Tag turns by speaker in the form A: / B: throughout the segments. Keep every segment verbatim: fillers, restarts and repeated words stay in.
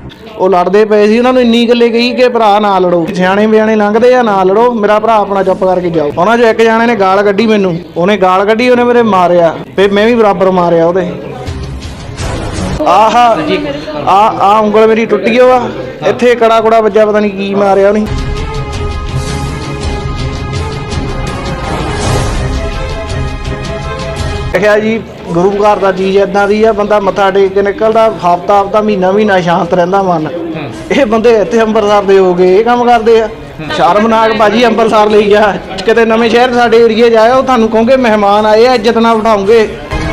A: ਉਹ ਲੜਦੇ ਪਏ ਸੀ, ਉਹਨਾਂ ਨੂੰ ਇੰਨੀ ਗੱਲੇ ਕਹੀ ਕਿ ਭਰਾ ਨਾ ਲੜੋ, ਸਿਆਣੇ ਬਿਆਣੇ ਲੰਘਦੇ ਆ, ਨਾ ਲੜੋ, ਮੇਰਾ ਭਰਾ ਆਪਣਾ ਚੁੱਪ ਕਰਕੇ ਜਾਓ। ਉਹਨਾਂ 'ਚੋਂ ਇੱਕ ਜਾਣੇ ਨੇ ਗਾਲ ਕੱਢੀ ਮੈਨੂੰ, ਉਹਨੇ ਗਾਲ ਕੱਢੀ, ਉਹਨੇ ਮੇਰੇ ਮਾਰਿਆ, ਫਿਰ ਮੈਂ ਵੀ ਬਰਾਬਰ ਮਾਰਿਆ ਉਹਦੇ। ਆਹ ਆ ਆ ਉਂਗਲ ਮੇਰੀ ਟੁੱਟ ਗਈ ਵਾ, ਇੱਥੇ ਕੜਾ ਕੁੜਾ ਵੱਜਾ, ਪਤਾ ਨਹੀਂ ਕੀ ਮਾਰਿਆ ਉਹਨੇ। ਦੇਖਿਆ ਜੀ, ਗੁਰੂ ਘਰ ਦਾ ਚੀਜ਼ ਇੱਦਾਂ ਦੀ ਆ, ਬੰਦਾ ਮੱਥਾ ਟੇਕ ਕੇ ਨਿਕਲਦਾ, ਹਫ਼ਤਾ ਹਫ਼ਤਾ ਮਹੀਨਾ ਮਹੀਨਾ ਸ਼ਾਂਤ ਰਹਿੰਦਾ ਮਨ। ਇਹ ਬੰਦੇ ਇੱਥੇ ਅੰਮ੍ਰਿਤਸਰ ਦੇ ਹੋ ਗਏ, ਇਹ ਕੰਮ ਕਰਦੇ ਆ। ਸ਼ਰਮਨਾਕ ਭਾਜੀ, ਅੰਮ੍ਰਿਤਸਰ ਲਈ ਜਾ, ਕਿਤੇ ਨਵੇਂ ਸ਼ਹਿਰ ਸਾਡੇ ਏਰੀਏ ਜਾਇਓ, ਤੁਹਾਨੂੰ ਕਹੋਗੇ ਮਹਿਮਾਨ ਆਏ ਆ, ਇੱਜ਼ਤ ਨਾਲ ਬਿਠਾਉਂਗੇ।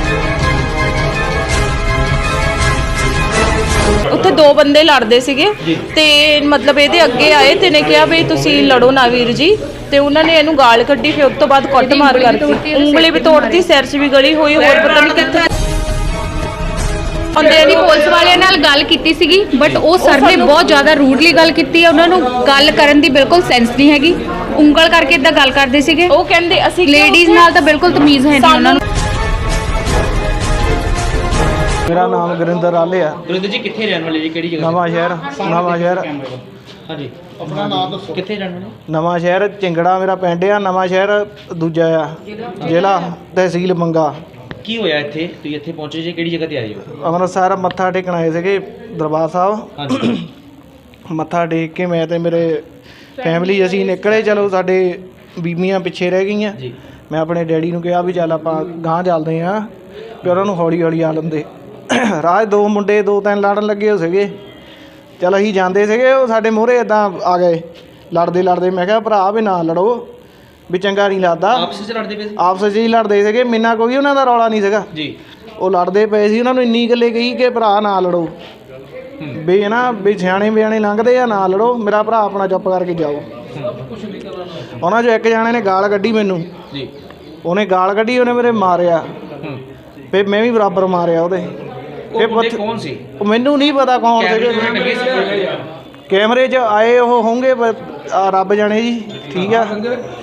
B: ਉੱਥੇ ਦੋ ਬੰਦੇ ਲੜਦੇ ਸੀਗੇ ਤੇ ਮਤਲਬ ਇਹਦੇ ਅੱਗੇ ਆਏ ਤੇ ਨੇ ਕਿਹਾ ਵੀ ਤੁਸੀਂ ਲੜੋ ਨਾ ਵੀਰ ਜੀ, ਤੇ ਉਹਨਾਂ ਨੇ ਇਹਨੂੰ ਗਾਲ ਕੱਢੀ। ਫਿਰ ਉਸ ਤੋਂ ਬਾਅਦ ਕੁੱਟ ਮਾਰ ਕਰਤੀ, ਉਂਗਲੀ ਵੀ ਤੋੜਤੀ, ਸਿਰ 'ਚ ਵੀ ਗਲੀ ਹੋਈ, ਹੋਰ ਪਤਾ ਨਹੀਂ ਕਿੱਥੇ।
C: ਉਹਦੇ ਨਹੀਂ ਪੁਲਿਸ ਵਾਲਿਆਂ ਨਾਲ ਗੱਲ ਕੀਤੀ ਸੀਗੀ, ਬਟ ਉਹ ਸਰ ਨੇ ਬਹੁਤ ਜ਼ਿਆਦਾ ਰੂਡਲੀ ਗੱਲ ਕੀਤੀ ਹੈ। ਉਹਨਾਂ ਨੂੰ ਗੱਲ ਕਰਨ ਦੀ ਬਿਲਕੁਲ ਸੈਂਸ ਨਹੀਂ ਹੈਗੀ, ਉਂਗਲ ਕਰਕੇ ਇਦਾਂ ਗੱਲ ਕਰਦੇ ਸੀਗੇ।
B: ਉਹ ਕਹਿੰਦੇ ਅਸੀਂ
C: ਲੇਡੀਜ਼ ਨਾਲ ਤਾਂ ਬਿਲਕੁਲ ਤਮੀਜ਼ ਹੈ ਨਹੀਂ ਉਹਨਾਂ ਨੂੰ।
A: ਮੇਰਾ ਨਾਮ ਗੁਰਿੰਦਰ ਆਲੇ ਆ।
D: ਗੁਰਿੰਦਰ ਜੀ ਕਿੱਥੇ ਰਹਿਣ ਵਾਲੇ ਜੀ, ਕਿਹੜੀ ਜਗ੍ਹਾ?
A: ਨਵਾਂ ਸ਼ਹਿਰ, ਨਵਾਂ ਸ਼ਹਿਰ।
D: ਹਾਂਜੀ, ਆਪਣਾ ਨਾਮ ਦੱਸੋ, ਕਿੱਥੇ ਰਹਿਣ ਵਾਲੇ?
A: ਨਵਾਂ ਸ਼ਹਿਰ ਚਿੰਗੜਾ ਮੇਰਾ ਪਿੰਡ ਆ। ਨਵਾਂ ਸ਼ਹਿਰ ਦੂਜਾ ਆ, ਜ਼ਿਲ੍ਹਾ ਤਹਿਸੀਲ ਮੰਗਾ।
D: ਕੀ ਹੋਇਆ ਇੱਥੇ, ਤੁਸੀਂ ਇੱਥੇ ਪਹੁੰਚੇ ਜੀ, ਕਿਹੜੀ ਜਗ੍ਹਾ ਤੇ ਆਏ ਹੋ?
A: ਅੰਮ੍ਰਿਤਸਰ ਮੱਥਾ ਟੇਕਣ ਆਏ ਸੀਗੇ ਦਰਬਾਰ ਸਾਹਿਬ।
D: ਹਾਂਜੀ।
A: ਮੱਥਾ ਟੇਕ ਕੇ ਮੈਂ ਤੇ ਮੇਰੇ ਫੈਮਿਲੀ ਅਸੀਂ ਨਿਕਲੇ। ਚਲੋ ਸਾਡੇ ਬੀਬੀਆਂ ਪਿੱਛੇ ਰਹਿ ਗਈਆਂ।
D: ਜੀ।
A: ਮੈਂ ਆਪਣੇ ਡੈਡੀ ਨੂੰ ਕਿਹਾ ਵੀ ਚੱਲ ਆਪਾਂ ਗਾਂਹ ਚੱਲਦੇ ਹਾਂ, ਵੀ ਉਹਨਾਂ ਨੂੰ ਹੌਲੀ ਹੌਲੀ ਆ ਲੈਂਦੇ। ਰਾਹ ਦੋ ਮੁੰਡੇ ਦੋ ਤਿੰਨ ਲੜਨ ਲੱਗੇ ਹੋ ਸੀਗੇ। ਚਲ ਅਸੀਂ ਜਾਂਦੇ ਸੀਗੇ, ਉਹ ਸਾਡੇ ਮੂਹਰੇ ਇੱਦਾਂ ਆ ਗਏ ਲੜਦੇ ਲੜਦੇ। ਮੈਂ ਕਿਹਾ ਭਰਾ ਵੀ ਨਾ ਲੜੋ, ਵੀ ਚੰਗਾ ਨਹੀਂ ਲੱਗਦਾ।
D: ਆਪਸ 'ਚ ਲੜਦੇ ਪਏ ਸੀ?
A: ਆਪਸ 'ਚ ਹੀ ਲੜਦੇ ਸੀਗੇ, ਮੈਨਾਂ ਕੋਈ ਉਹਨਾਂ ਦਾ ਰੌਲਾ ਨਹੀਂ ਸੀਗਾ
D: ਜੀ।
A: ਉਹ ਲੜਦੇ ਪਏ ਸੀ, ਉਹਨਾਂ ਨੂੰ ਇੰਨੀ ਗੱਲੇ ਕਹੀ ਕਿ ਭਰਾ ਨਾ ਲੜੋ, ਵੀ ਨਾ ਵੀ ਸਿਆਣੇ ਬਿਆਣੇ ਲੰਘਦੇ ਆ, ਨਾ ਲੜੋ, ਮੇਰਾ ਭਰਾ ਆਪਣਾ ਚੁੱਪ ਕਰਕੇ ਜਾਓ। ਉਹਨਾਂ 'ਚੋਂ ਇੱਕ ਜਾਣੇ ਨੇ ਗਾਲ ਕੱਢੀ ਮੈਨੂੰ,
D: ਜੀ।
A: ਉਹਨੇ ਗਾਲ ਕੱਢੀ, ਉਹਨੇ ਮੇਰੇ ਮਾਰਿਆ, ਫਿਰ ਮੈਂ ਵੀ ਬਰਾਬਰ ਮਾਰਿਆ ਉਹਦੇ।
D: ਉਹ ਬੰਦੇ ਕੌਣ ਸੀ?
A: ਉਹ ਮੈਨੂੰ ਨਹੀਂ ਪਤਾ ਕੌਣ ਸੀਗੇ, ਕੈਮਰੇ 'ਚ ਆਏ ਉਹ ਹੋਣਗੇ, ਰੱਬ ਜਾਣੇ ਜੀ। ਠੀਕ ਆ,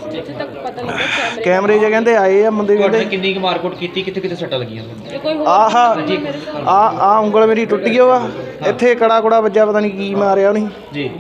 A: ਕੈਮਰੇ 'ਚ ਕਹਿੰਦੇ ਆਏ ਆ ਬੰਦੇ। ਕਹਿੰਦੇ
D: ਕਿੰਨੀ ਕੁ ਮਾਰਕੁੱਟ ਕੀਤੀ, ਕਿੱਥੇ ਕਿੱਥੇ ਸੱਟਾਂ ਲੱਗੀਆਂ?
A: ਆਹ ਆ ਆ ਉਂਗਲ ਮੇਰੀ ਟੁੱਟ ਗਈ ਵਾ, ਇੱਥੇ ਕੜਾ ਕੁੜਾ ਵੱਜਾ, ਪਤਾ ਨਹੀਂ ਕੀ ਮਾਰਿਆ ਉਹਨੇ ਜੀ।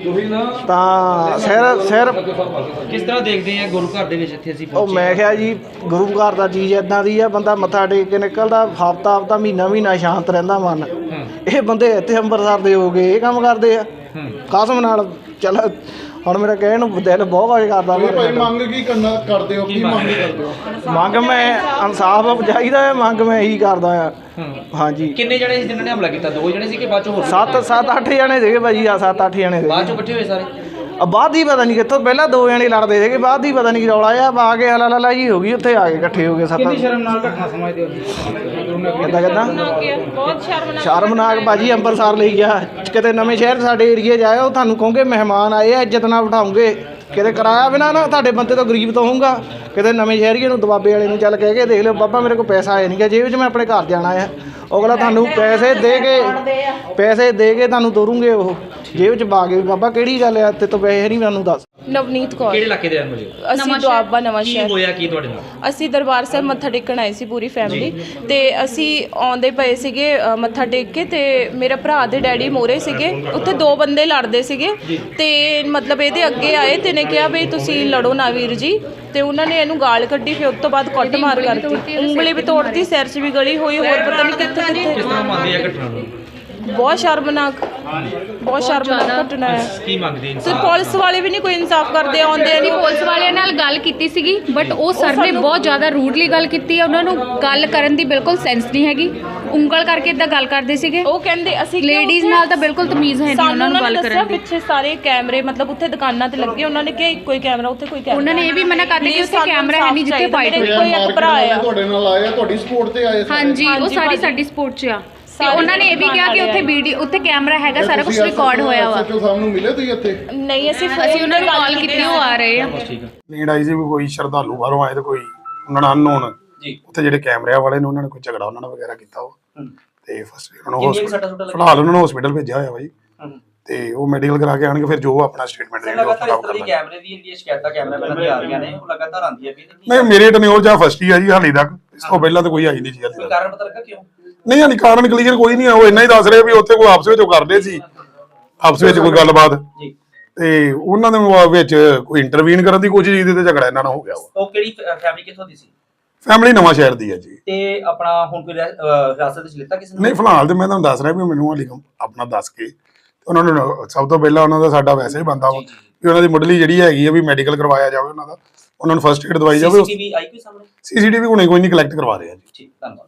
A: ਤਾਂ ਸਿਰ ਸਿਰ
D: ਕਿਸ ਤਰ੍ਹਾਂ ਦੇਖਦੇ ਆ ਗੁਰੂ ਘਰ ਦੇ ਵਿੱਚ ਇੱਥੇ ਅਸੀਂ
A: ਉਹ ਮੈਂ ਕਿਹਾ ਜੀ, ਗੁਰੂ ਘਰ ਦਾ ਚੀਜ਼ ਇੱਦਾਂ ਦੀ ਆ, ਬੰਦਾ ਮੱਥਾ ਟੇਕ ਕੇ ਨਿਕਲਦਾ, ਹਫ਼ਤਾ ਹਫ਼ਤਾ ਮਹੀਨਾ ਮਹੀਨਾ ਸ਼ਾਂਤ ਰਹਿੰਦਾ ਮਨ। ਇਹ ਬੰਦੇ ਇੱਥੇ ਅੰਮ੍ਰਿਤਸਰ ਦੇ ਹੋ ਗਏ, ਇਹ ਕੰਮ ਕਰਦੇ ਆ ਕਸਮ ਨਾਲ। ਚੱਲ ਹੁਣ ਮੇਰਾ ਕਹਿਣ ਨੂੰ ਦਿਲ ਬਹੁਤ ਕੁਝ ਕਰਦਾ।
E: ਮੰਗ ਕੀ ਕਰਨਾ ਕਰਦੇ ਹੋ, ਕੀ ਮੰਗ ਕਰਦੇ ਹੋ?
A: ਮੰਗ ਮੈਂ ਇਨਸਾਫ ਚਾਹੀਦਾ ਹੈ, ਮੰਗ ਮੈਂ ਇਹੀ ਕਰਦਾ ਆ। ਹਾਂਜੀ।
D: ਕਿੰਨੇ ਜਣੇ ਸੀ ਜਿਨ੍ਹਾਂ ਨੇ ਹਮਲਾ ਕੀਤਾ? ਦੋ ਜਣੇ ਸੀ ਕਿ ਬਾਅਦ ਚੋਂ ਹੋਰ?
A: ਸੱਤ ਸੱਤ ਅੱਠ ਜਣੇ ਸੀਗੇ ਭਾਜੀ, ਆ ਸੱਤ ਅੱਠ ਜਣੇ ਸੀਗੇ।
D: ਬਾਅਦ ਚੋਂ ਇਕੱਠੇ ਹੋਏ ਸਾਰੇ?
A: ਬਾਅਦ ਹੀ ਪਤਾ ਨਹੀਂ ਕਿੱਥੋਂ, ਪਹਿਲਾਂ ਦੋ ਜਣੇ ਲੜਦੇ ਸੀਗੇ, ਬਾਅਦ ਹੀ ਪਤਾ ਨਹੀਂ ਕੀ ਰੌਲਾ ਆ, ਆ ਕੇ ਹਲਾ ਲਾ ਜੀ ਹੋ ਗਈ, ਉੱਥੇ ਆ ਕੇ ਇਕੱਠੇ ਹੋ ਗਏ ਸੱਤ। ਕਿੰਨੀ ਸ਼ਰਮ ਨਾਲ ਘਟਨਾ ਸਮਝਦੇ ਹੋ? ਕਿੱਦਾਂ ਕਿੱਦਾਂ
B: ਬਹੁਤ ਸ਼ਰਮਨਾਕ
A: ਸ਼ਰਮਨਾਕ ਭਾਜੀ, ਅੰਮ੍ਰਿਤਸਰ ਲਈ ਗਿਆ, ਕਿਤੇ ਨਵੇਂ ਸ਼ਹਿਰ ਸਾਡੇ ਏਰੀਏ ਜਾਇਓ, ਤੁਹਾਨੂੰ ਕਹੋਗੇ ਮਹਿਮਾਨ ਆਏ ਆ, ਇੱਜ਼ਤ ਨਾਲ ਬਿਠਾਉਂਗੇ। ਕਿਤੇ ਕਿਰਾਇਆ ਬਿਨਾਂ ਨਾ ਤੁਹਾਡੇ ਬੰਦੇ ਤੋਂ ਗਰੀਬ ਤੋਂ ਹੋਊਗਾ। ਕਿਤੇ ਨਵੇਂ ਸ਼ਹਿਰੀਏ ਨੂੰ ਦਬਾਬੇ ਵਾਲੇ ਨੂੰ ਚੱਲ ਕਹਿ ਕੇ ਦੇਖ ਲਿਓ, ਬਾਬਾ ਮੇਰੇ ਕੋਲ ਪੈਸਾ ਆਇਆ ਨਹੀਂ ਗਾ ਜੇਬ 'ਚ, ਮੈਂ ਆਪਣੇ ਘਰ ਜਾਣਾ ਆ। ਅਗਲਾ ਤੁਹਾਨੂੰ ਪੈਸੇ ਦੇ ਕੇ ਪੈਸੇ ਦੇ ਕੇ ਤੁਹਾਨੂੰ ਤੋਰੂਗੇ, ਉਹ ਜੇਬ 'ਚ ਪਾ ਕੇ। ਬਾਬਾ ਕਿਹੜੀ ਗੱਲ ਆ, ਤੇ ਤੋਂ ਪੈਸੇ ਨਹੀਂ ਮੈਨੂੰ ਦੱਸ।
B: ਨਵਨੀਤ ਕੌਰ।
D: ਕਿਹੜੇ ਇਲਾਕੇ ਦੇ ਰਹਿਣ ਵਾਲੇ ਹੋ?
B: ਅਸੀਂ ਦੁਆਬਾ ਨਵਾਂ
D: ਕੀ
B: ਸ਼ਹਿਰ।
D: ਹੋਇਆ ਕੀ ਤੁਹਾਡੇ ਨਾਲ?
B: ਅਸੀਂ ਦਰਬਾਰ ਸਾਹਿਬ ਮੱਥਾ ਟੇਕਣ ਆਏ ਸੀ ਪੂਰੀ ਫੈਮਿਲੀ, ਤੇ ਅਸੀਂ ਆਉਂਦੇ ਪਏ ਸੀਗੇ ਮੱਥਾ ਟੇਕ ਕੇ, ਤੇ ਮੇਰੇ ਭਰਾ ਦੇ ਡੈਡੀ ਮੋਰੇ ਸੀਗੇ। ਉੱਥੇ ਦੋ ਬੰਦੇ ਲੜਦੇ ਸੀਗੇ ਤੇ ਮਤਲਬ ਇਹਦੇ ਅੱਗੇ ਆਏ ਤੇ ਨੇ ਕਿਹਾ ਵੀ ਤੁਸੀਂ ਲੜੋ ਨਾ ਵੀਰ ਜੀ, ਤੇ ਉਹਨਾਂ ਨੇ ਇਹਨੂੰ ਗਾਲ ਕੱਢੀ। ਫਿਰ ਉਸ ਤੋਂ ਬਾਅਦ ਕੁੱਟ ਮਾਰ ਕਰਤੀ, ਉਂਗਲੀ ਵੀ ਤੋੜਤੀ, ਸਿਰ 'ਚ ਵੀ ਗਲੀ ਹੋਈ, ਹੋਰ ਪਤਾ ਨਹੀਂ ਕਿੱਥੇ ਕਿੱਥੇ।
D: ਕਿਸ ਤਰ੍ਹਾਂ ਮੰਨਦੇ ਆ ਘਟਨਾ ਨੂੰ?
B: ਬਹੁਤ ਸ਼ਰਮਨਾਕ, ਬਹੁਤ ਸ਼ਰਮਨਾਕ ਘਟਨਾ ਹੈ।
D: ਕੀ ਮੰਗਦੇ
B: ਤੇ ਪੁਲਿਸ ਵਾਲੇ ਵੀ ਨਹੀਂ ਕੋਈ ਇਨਸਾਫ ਕਰਦੇ, ਆਉਂਦੇ ਨਹੀਂ।
C: ਪੁਲਿਸ ਵਾਲਿਆਂ ਨਾਲ ਗੱਲ ਕੀਤੀ ਸੀਗੀ, ਬਟ ਉਹ ਸਰ ਨੇ ਬਹੁਤ ਜ਼ਿਆਦਾ ਰੂਡਲੀ ਗੱਲ ਕੀਤੀ ਹੈ। ਉਹਨਾਂ ਨੂੰ ਗੱਲ ਕਰਨ ਦੀ ਬਿਲਕੁਲ ਸੈਂਸ ਨਹੀਂ ਹੈਗੀ, ਉਂਗਲ ਕਰਕੇ ਇਦਾਂ ਗੱਲ ਕਰਦੇ ਸੀਗੇ।
B: ਉਹ ਕਹਿੰਦੇ ਅਸੀਂ
C: ਲੇਡੀਜ਼ ਨਾਲ ਤਾਂ ਬਿਲਕੁਲ ਤਮੀਜ਼ ਹੈ ਨਹੀਂ ਉਹਨਾਂ ਨੂੰ ਗੱਲ ਕਰਨ ਦੀ।
B: ਪਿੱਛੇ ਸਾਰੇ ਕੈਮਰੇ ਮਤਲਬ ਉੱਥੇ ਦੁਕਾਨਾਂ ਤੇ ਲੱਗੇ, ਉਹਨਾਂ ਨੇ ਕਿਹਾ ਇੱਕੋ ਹੀ ਕੈਮਰਾ, ਉੱਥੇ ਕੋਈ ਕੈਮਰਾ।
C: ਉਹਨਾਂ ਨੇ ਇਹ ਵੀ ਮਨਾ ਕਰ ਦਿੱਤਾ ਕਿ ਉੱਥੇ ਕੈਮਰਾ ਹੈ ਨਹੀਂ ਜਿੱਥੇ ਫਾਈਟ ਹੋਈ।
B: ਕੋਈ ਇੱਕ ਭਰਾ ਆ
E: ਤੁਹਾਡੇ ਨਾਲ ਆਇਆ, ਤੁਹਾਡੀ ਸਪੋਰਟ ਤੇ ਆਏ?
C: ਹਾਂਜੀ, ਉਹ ਸਾਰੀ ਸਾਡੀ ਸਪੋਰਟ 'ਚ ਆ। ਤੇ ਉਹਨਾਂ ਨੇ ਇਹ ਵੀ ਕਿਹਾ ਕਿ ਉੱਥੇ ਵੀਡੀਓ, ਉੱਥੇ ਕੈਮਰਾ ਹੈਗਾ, ਸਾਰਾ ਕੁਝ ਰਿਕਾਰਡ ਹੋਇਆ ਵਾ।
E: ਐਸਐਚਓ ਸਾਹਿਬ ਨੂੰ ਮਿਲੇ ਤੁਸੀਂ ਇੱਥੇ?
B: ਨਹੀਂ, ਅਸੀਂ
C: ਅਸੀਂ ਉਹਨਾਂ ਨੂੰ ਕਾਲ ਕੀਤੀ, ਉਹ ਆ ਰਹੇ ਆ।
F: ਨੀਡ ਆਈ ਸੀ ਵੀ ਕੋਈ ਸ਼ਰਧਾਲੂ ਬਾਹਰੋਂ ਆਏ ਤੇ ਕੋਈ ਉਹਨਾਂ ਨਾਲ ਅਨਨੋਨ ਜੀ, ਉੱਥੇ ਜਿਹੜੇ ਕੈਮਰਿਆਂ ਵਾਲੇ ਨੇ ਉਹਨਾਂ ਨੇ ਕੋਈ ਝਗੜਾ ਉਹਨਾਂ ਨਾਲ ਵਗੈਰਾ ਕੀਤਾ ਉਹ, ਤੇ ਫਸਟ ਉਹਨਾਂ ਨੂੰ ਫਿਲਹਾਲ ਉਹਨਾਂ ਨੂੰ ਹਸਪੀਟਲ ਭੇਜਿਆ ਹੋਇਆ ਬਾਈ, ਤੇ ਉਹ ਮੈਡੀਕਲ ਕਰਾ ਕੇ ਆਣਗੇ, ਫਿਰ ਜੋ ਆਪਣਾ ਸਟੇਟਮੈਂਟ ਦੇਣਗੇ ਉਹ ਖਰਾਬ ਕਰਨਾ।
D: ਕੈਮਰੇ ਦੀ ਜਿਹੜੀ ਸ਼ਿਕਾਇਤਾਂ ਕੈਮਰਾਮੈਨਾਂ ਦੀਆਂ ਆ ਰਹੀਆਂ ਨੇ, ਉਹ ਲਗਾਤਾਰ ਆਉਂਦੀਆਂ ਵੀ
F: ਨਹੀਂ, ਮੇਰੇ ਟਨਿਓਰ ਜਾਂ ਫਸਟ ਹੀ ਆ ਜੀ ਹਾਲੇ ਤੱਕ, ਇਸ ਤੋਂ ਪਹਿਲਾਂ ਤਾਂ ਕੋਈ ਆਈ ਨਹੀਂ ਜੀ ਹਾਲੇ ਤੱਕ।
D: ਕਾਰਨ ਪਤਾ ਲੱਗਾ ਕਿਉਂ?
F: ਨਹੀਂ, ਹਾਲੇ ਕਾਰਨ ਕਲੀਅਰ ਕੋਈ ਨਹੀਂ ਆ। ਉਹ ਇੰਨਾ ਹੀ ਦੱਸ ਰਿਹਾ ਵੀ ਉੱਥੇ ਕੋਈ ਆਪਸ ਵਿੱਚ ਉਹ ਕਰਦੇ ਸੀ, ਆਪਸ ਵਿੱਚ ਕੋਈ ਗੱਲਬਾਤ
D: ਜੀ
F: ਤੇ ਉਹਨਾਂ ਦੇ ਵਿੱਚ ਕੋਈ ਇੰਟਰਵੀਨ ਕਰਨ ਦੀ ਕੋਸ਼ਿਸ਼ ਕੀਤੀ ਤੇ ਝਗੜਾ ਇਹਨਾਂ ਨਾਲ ਹੋ ਗਿਆ ਵਾ।
D: ਉਹ ਕਿਹੜੀ ਫੈਮਿਲੀ ਕਿੱਥੋਂ ਦੀ ਸੀ?
F: ਫੈਮਿਲੀ ਨਵਾਂ ਸ਼ਹਿਰ ਦੀ ਹੈ ਜੀ।
D: ਤੇ ਆਪਣਾ ਹੁਣ ਕੋਈ ਰਹਿ- ਅਹ ਹਿਰਾਸਤ ਵਿੱਚ ਲਿੱਤਾ ਕਿਸੇ ਨੇ?
F: ਨਹੀਂ ਫਿਲਹਾਲ ਤੇ ਮੈਂ ਤੁਹਾਨੂੰ ਦੱਸ ਰਿਹਾ ਵੀ ਮੈਨੂੰ ਹਾਲੇ ਆਪਣਾ ਦੱਸ ਕੇ ਉਹਨਾਂ ਨੂੰ ਸਭ ਤੋਂ ਪਹਿਲਾਂ ਉਹਨਾਂ ਦਾ ਸਾਡਾ ਵੈਸੇ ਹੀ ਬੰਦਾ ਵਾ ਵੀ ਉਹਨਾਂ ਦੀ ਮੁੱਢਲੀ ਜਿਹੜੀ ਹੈਗੀ ਆ ਵੀ ਮੈਡੀਕਲ ਕਰਵਾਇਆ ਜਾਵੇ ਉਹਨਾਂ ਦਾ, ਉਹਨਾਂ ਨੂੰ ਫਸਟ ਏਡ ਦਵਾਈ ਜਾਵੇ।
D: ਸੀਸੀਟੀਵੀ ਆਈ ਕੋਈ ਸਾਹਮਣੇ?
F: ਸੀਸੀਟੀਵੀ ਹੁਣੇ ਕੋਈ ਨਹੀਂ ਕਲੈਕਟ ਕਰਵਾ ਰਹੇ ਆ ਜੀ।
D: ਠੀਕ, ਧੰਨਵਾਦ।